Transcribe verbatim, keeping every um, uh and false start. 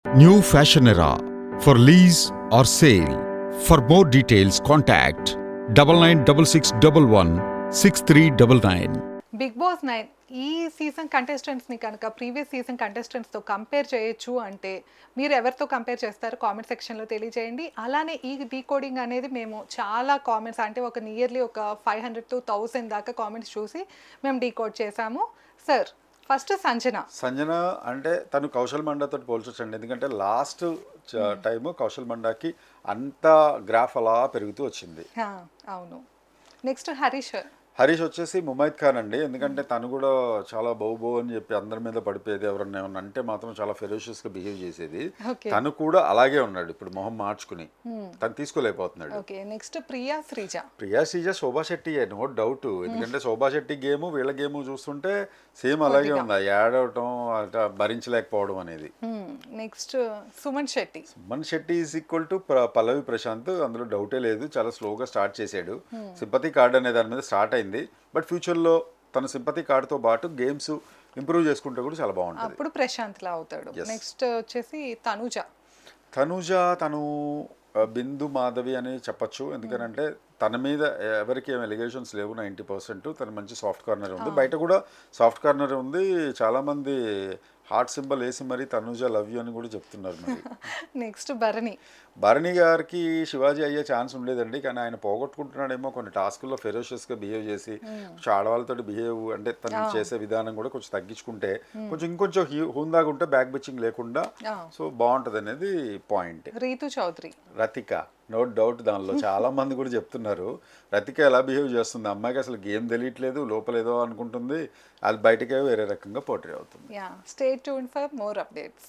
New Fashion Era for lease or sale. For more details, contact double nine double six double one six three double nine. Big Boss nine ఈ season కంటెస్టెంట్స్ని కనుక previous season కంటెస్టెంట్స్తో compare చేయొచ్చు అంటే మీరు ఎవరితో compare చేస్తారు comment సెక్షన్లో తెలియజేయండి. అలానే ఈ డీకోడింగ్ అనేది మేము చాలా కామెంట్స్ అంటే ఒక నియర్లీ ఒక ఫైవ్ హండ్రెడ్ టు థౌసండ్ దాకా కామెంట్స్ చూసి మేము డీకోడ్ చేసాము. సార్ ఫస్ట్ సంజన సంజన అంటే తను కౌశల్ మండాతో పోల్చొచ్చండి. ఎందుకంటే లాస్ట్ టైము కౌశల్ మండాకి అంత గ్రాఫ్ అలా పెరుగుతూ వచ్చింది. అవును. నెక్స్ట్ హరీష్ హరీష్ వచ్చేసి ముమైత్ ఖాన్ అండి. ఎందుకంటే తను కూడా చాలా బౌ బౌ అని చెప్పి అందరి మీద పడిపోయేది. ఎవరన్నా ఏమన్నా అంటే మాత్రం చాలా ఫెరోషియస్ గా బిహేవ్ చేసేది. తను కూడా అలాగే ఉన్నాడు. ఇప్పుడు మొహం మార్చుకుని తను తీసుకోలేకపోతున్నాడు. Next Priya Sreeja Priya Sreeja Shobha Shetty no doubt. ఎందుకంటే శోభా శెట్టి గేమ్ వీళ్ళ గేమ్ చూస్తుంటే సేమ్ అలాగే ఉంది. యాడ్ అవటం భరించలేకపోవడం అనేది. Next Suman Shetty Suman Shetty is equal to Pallavi Prashanth, అందులో డౌటే లేదు. చాలా స్లోగా స్టార్ట్ చేశాడు. సింపతి కార్డ్ అనే దాని మీద స్టార్ట్ అయింది. బట్ ఫ్యూచర్లో తన సింపతి కార్డ్తో పాటు గేమ్స్ ఇంప్రూవ్ చేసుకుంటే కూడా చాలా బాగుంటుంది. అప్పుడు ప్రశాంత్ లా అవుతాడు. నెక్స్ట్ వచ్చేసి తనుజ తనుజ తను బిందు మాధవి అని చెప్పచ్చు. ఎందుకంటే తన మీద ఎవరికి ఏం ఎలిగేషన్స్ లేవు. నైంటీ పర్సెంట్ తను మంచి సాఫ్ట్ కార్నర్ ఉంది. బయట కూడా సాఫ్ట్ కార్నర్ ఉంది. చాలామంది హార్ట్ సింబల్ వేసి మరి తనుజ లవ్ యూ అని కూడా చెప్తున్నారు. మరి నెక్స్ట్ భరణి భరణి గారికి శివాజీ అయ్యే ఛాన్స్ ఉండేదండి. కానీ ఆయన పోగొట్టుకుంటున్నాడేమో కొన్ని టాస్కుల్లో ఫెరోషియస్గా బిహేవ్ చేసి ఆడవాళ్ళతో బిహేవ్ అంటే తను చేసే విధానం కూడా కొంచెం తగ్గించుకుంటే కొంచెం ఇంకొంచెం హుందాగా ఉంటే బ్యాక్ బిచ్చింగ్ లేకుండా సో బాగుంటుంది అనేది point. Rithu Chowdary Rathika no doubt దానిలో చాలా మంది కూడా చెప్తున్నారు రతిక ఎలా బిహేవ్ చేస్తుంది. అమ్మాయికి అసలు గేమ్ తెలియట్లేదు, లోపలేదో అనుకుంటుంది, అది బయటకే వేరే రకంగా పోర్ట్రే అవుతుంది. Stay tuned for more updates.